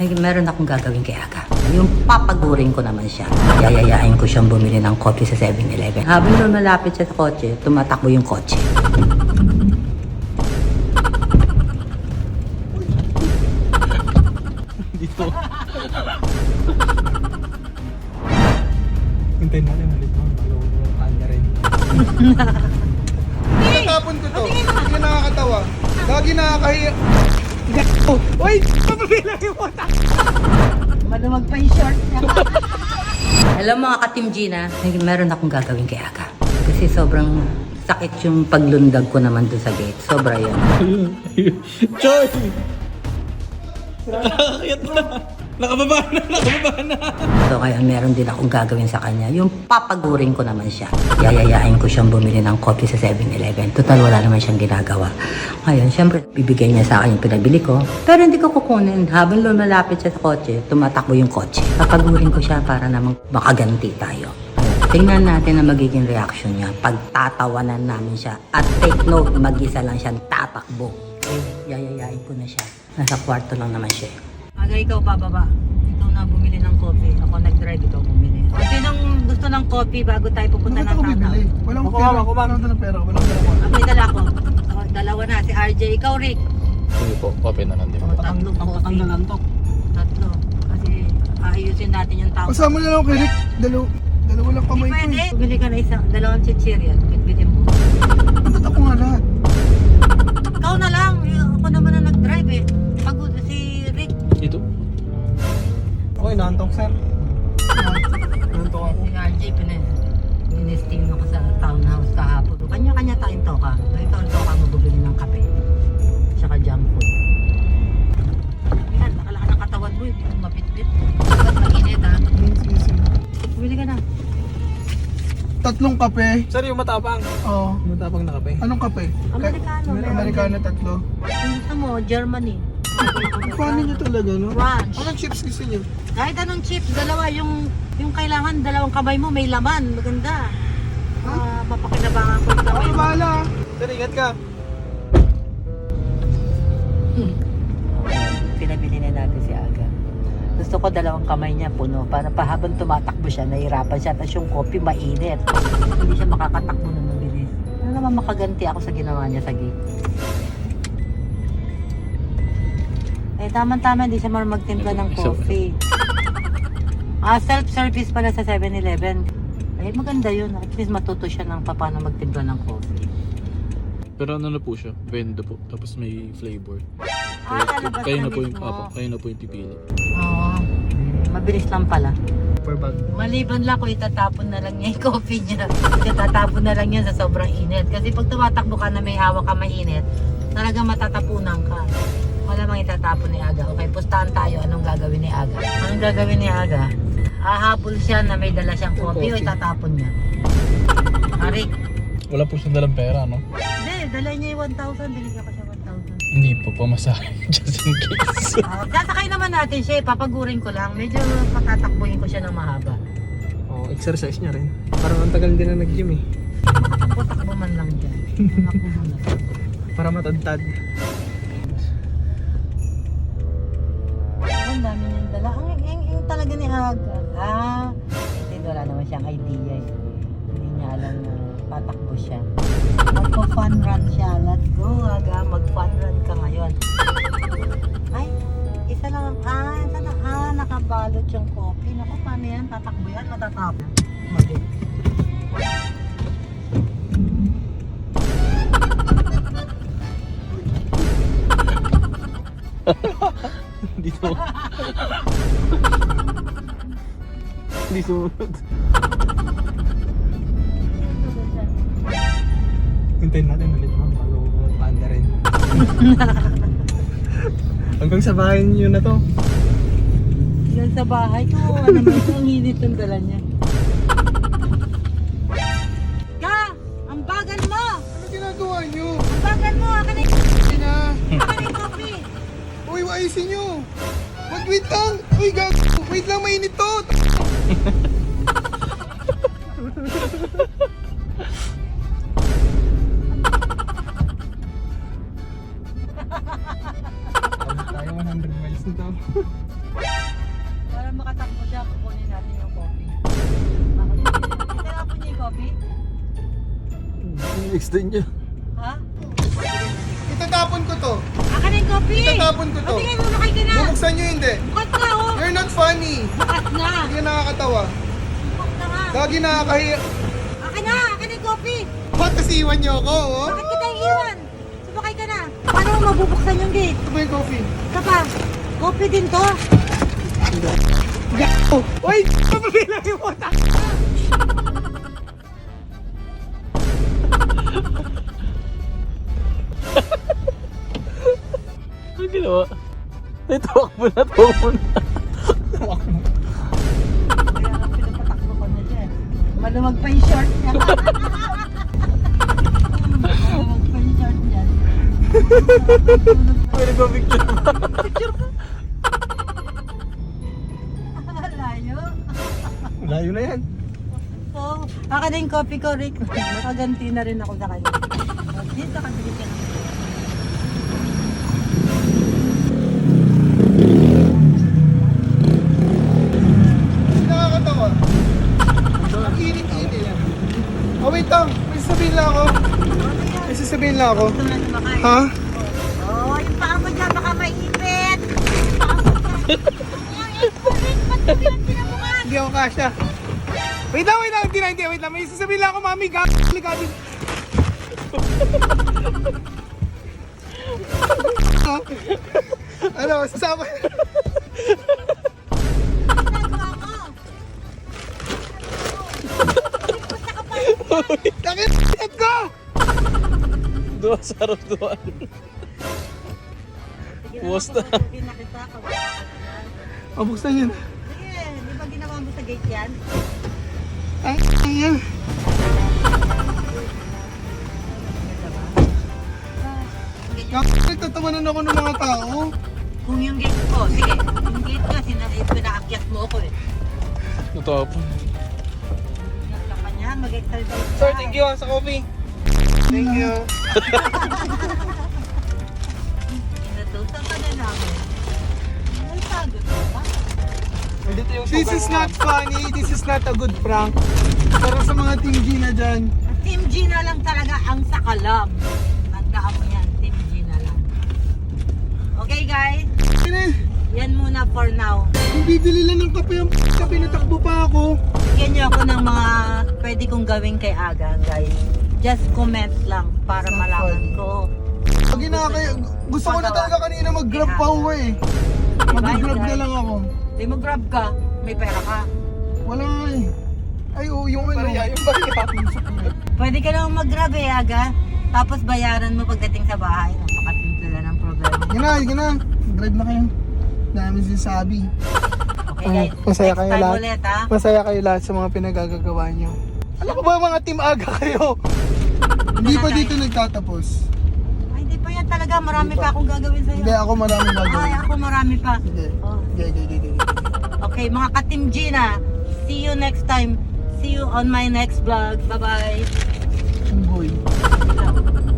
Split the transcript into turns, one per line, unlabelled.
Meron akong gagawin kay Aga. Yung papagurin ko naman siya. Yayayain ko siyang bumili ng coffee sa 7-Eleven. Habang doon malapit siya sa kotse, tumatakbo yung kotse.
Dito. Hintayin natin ulit mo. Malong kanya rin.
Natapon ko to. Hindi nakakatawa. Lagi nakakahiya.
Uy! Papabilang yung mata!
Malamag pa yung short niya. Hello mga ka-Team Gina. Meron akong gagawin kay Aga. Kasi sobrang sakit yung paglundag ko naman doon sa gate. Sobra yun.
Choy! Nakakakit na! Nakababa na!
So kaya meron din akong gagawin sa kanya. Yung papagurin ko naman siya. Yayayain ko siyang bumili ng coffee sa 7-Eleven. Total wala naman siyang ginagawa. Ngayon, syempre, bibigay niya sa akin yung pinabili ko. Pero hindi ko kukunin. Habang lumalapit siya sa kotse, tumatakbo yung kotse. Papagurin ko siya para namang makaganti tayo. Tingnan natin ang magiging reaction niya pag tatawanan namin siya. At take note, mag-isa lang siyang tatakbo. Yayayain ko na siya. Nasa kwarto lang naman siya. Aga, ikaw bababa. Ikaw na bumili ng coffee. Ako nag-drive, ikaw bumili. O, sinong gusto ng coffee bago tayo pupunta
Bakit
ng
ako
tanaw?
bibili? Walang
Ako,
pera.
ako,
Walang dalang pera. Walang dalang pera.
May dala ko. O, dalawa na. Si RJ. Ikaw, Rick.
Sige po, coffee na lang din po.
Tatlong coffee.
Tanggalan to.
Tatlo. Kasi aayusin natin yung tao.
Kasama na lang kay Rick. Dalawa lang kamay ko.
Pwede. Bili ka na isang, dalawang chichirya. Bitbitin mo.
Ba't ako nga lahat?
Ikaw na lang. Ako naman na nag-drive eh. Pagod si Rick.
Ito?
Okay, naantok sir. Naantok ako.
Si RJ, pinesting ako sa townhouse kahapon. Kanya-kanya tayong toka. Ikaw ang toka mo bubili ng kape. Tsaka junk food. Yan, nakalaka ng katawan mo. Hindi mo mapitpit. Ba't mag-init ha?
Sige.
Bumili ka na.
Tatlong kape.
Sir, yung matapang.
Oo.
Yung matapang na kape.
Anong kape?
Amerikano.
Amerikano tatlo.
Ang gusto mo, Germany.
Paano nyo talaga, no?
Ranch.
Anong chips gusto nyo?
Kahit anong chips, dalawa. Yung kailangan, dalawang kamay mo, may laman. Maganda. Mapakinabangan ko yung kamay
Ako
mo.
bahala.
Sir, ingat ka.
Pinabili na natin si Aga. Gusto ko dalawang kamay niya puno para pahabang tumatakbo siya, nahihirapan siya. Tapos yung coffee mainit. Hindi siya makakatakbo na mabilis. Ano naman makaganti ako sa ginawa niya sa gate. Eh, tama-tama, hindi siya marunong magtimpla ng coffee. Self-service pala sa 7-Eleven. Eh, maganda yun. At least matuto siya ng paano magtimpla ng coffee.
Pero ano na po siya? Bendo po. Tapos may flavor.
Talabas
Kayo
na
na po yung,
mismo.
kayo na po yung pipili.
Oo. Mabilis lang pala.
Per bag.
Maliban lang kung itatapon na lang niya yung coffee niya. Itatapon na lang yan sa sobrang init. Kasi pag tumatakbo ka na may hawak ka mainit, talagang matatapunan ka. Wala mang itatapon ni Aga. Okay, pustahan tayo. Anong gagawin ni Aga? Anong gagawin ni Aga? Hahabol siya na may dala siyang coffee o itatapon niya? Arik.
Wala po siyang dalang pera, no?
Hindi, dala niya yung 1,000. Binigyan ko siya 1,000.
Hindi po, pamasahe. Just in case.
Sasakay naman natin siya. Papagurin ko lang. Medyo patatakbuhin ko siya ng mahaba.
Oh, exercise niya rin. Parang ang tagal din na nag-gym eh.
Takbo-takbo man lang dyan. Takbo mo na.
Para matadtad.
Ang dami niyang dala. Ang talaga ni Aga. Kasi wala naman siyang idea eh. Hindi niya alam na patakbo siya. Magpa-fun run siya. Let's go, Aga. Mag-fun run ka ngayon. Ay, isa lang. Isa na. Nakabalot yung coffee. Naku, paano yan? Tatakbo yan? Matatapon. Mali.
Dito.
Hindi sumunod. Hintayin natin ulit mo. Malong kanya rin. Hanggang sa bahay niyo na to.
Yan sa bahay ko. Ano naman ito? Ang hinit ng dala niya. Ka! Ang bagal mo!
Ano ginagawa nyo?
Ang bagal mo! Akin na
Hindi na.
yung coffee!
Uy, ayusin nyo. Wait lang. Uy, gago. Wait lang, mainit to.
Tayo 100 miles nito.
makatakbo siya, kukunin natin yung coffee. Tinapon niya yung coffee?
Next din niya.
Ha?
Itatapon ko to.
Akin na yung coffee!
Itatapon ko to.
Tingin mo, nakay ka na!
Bubuksan nyo hindi.
Bukat na, oh!
You're not funny.
Bukat na!
Hindi ka nakakatawa.
Bukat na nga!
Lagi nakakahiya.
Akin na! Akin na yung coffee!
Ba't kasi iwan nyo ako, oh?
Bakit kita iiwan? Sumakay ka na! Paano mo mabubuksan yung gate?
Ito ba yung coffee?
Ito pa! Coffee din to!
Gago! Uy! Papabilang yung utak!
Ano ginawa? Ay, tawak mo na, tawak mo na.
Kaya nga pinapatakbo ko na dyan. Maluwag pa yung short niya. Maluwag pa yung short niya.
Pwede ba picture ba?
Picture ko. Layo.
Layo na yan.
So, akin na yung coffee ko, Rick. Nakaganti na rin ako sa kanya. Dito ka, dito ka.
Hindi nakakatawa. Ang init-init. Oh, wait lang. May sasabihin lang ako. May sasabihin lang ako.
Gusto na sumakay.
Ha?
Oh, yung paa mo dyan, baka maipit. Yung paa mo dyan. Ay, Rick, ba't mo pinagpinabukan?
Hindi ako kasha. Wait lang. Hindi. Wait lang. May sasabihin lang ako, mami. Gago. Ano, sasama.
Ginagawa mo. Basta ka pa.
Nakit ko!
Dua sarap dua. Buwas na.
Pagpapagin na kita,
Oh, buksan yun.
sige, di ba ginawa mo sa gate yan?
Ang yan. Nagtatawanan ako ng mga tao.
Kung yung gate ko, sige, yung gate ko, pinaakyat mo ako eh.
Natapon.
Akyat ka pa niya, mag-exercise ka.
Sir, thank you sa coffee. Thank you.
Inutusan ka na namin. Ay, pagod ka ba?
This is not funny. This is not a good prank. Para sa mga Team Gina dyan.
Team G na lang talaga ang sakalam. Tandaan mo yan, Team G na lang. Okay guys, yan muna for now.
Kung bibili lang ng kape yung pinatakbo pa ako.
Bigyan niyo ako ng mga pwede kong gawin kay Aga, guys. Just comment lang para malaman ko.
Pag gusto ko na talaga kanina mag-grab pa uwi eh. Mag-grab na lang ako.
Di mo grab ka, may pera ka.
Wala nga eh. Ay, oo, yung ano. Yung
Pwede ka lang mag-grab eh, Aga. Tapos bayaran mo pagdating sa bahay. Napakasimple lang ng problema.
Yun na. Drive na kayo. Dami sinasabi.
Okay guys,
Masaya
next
kayo
time
lahat.
ulit ha.
Masaya kayo lahat sa mga pinagagagawa nyo. Alam ko ba mga Team Aga kayo? Hindi pa dito nagtatapos.
Ay, hindi pa yan talaga. Marami pa akong gagawin sa'yo.
Hindi, ako maraming
Ay,
gagawin.
ako marami pa.
Hindi.
Oh.
Hindi.
Okay, mga ka-Team Gina, see you next time. See you on my next vlog. Bye-bye.
Boy.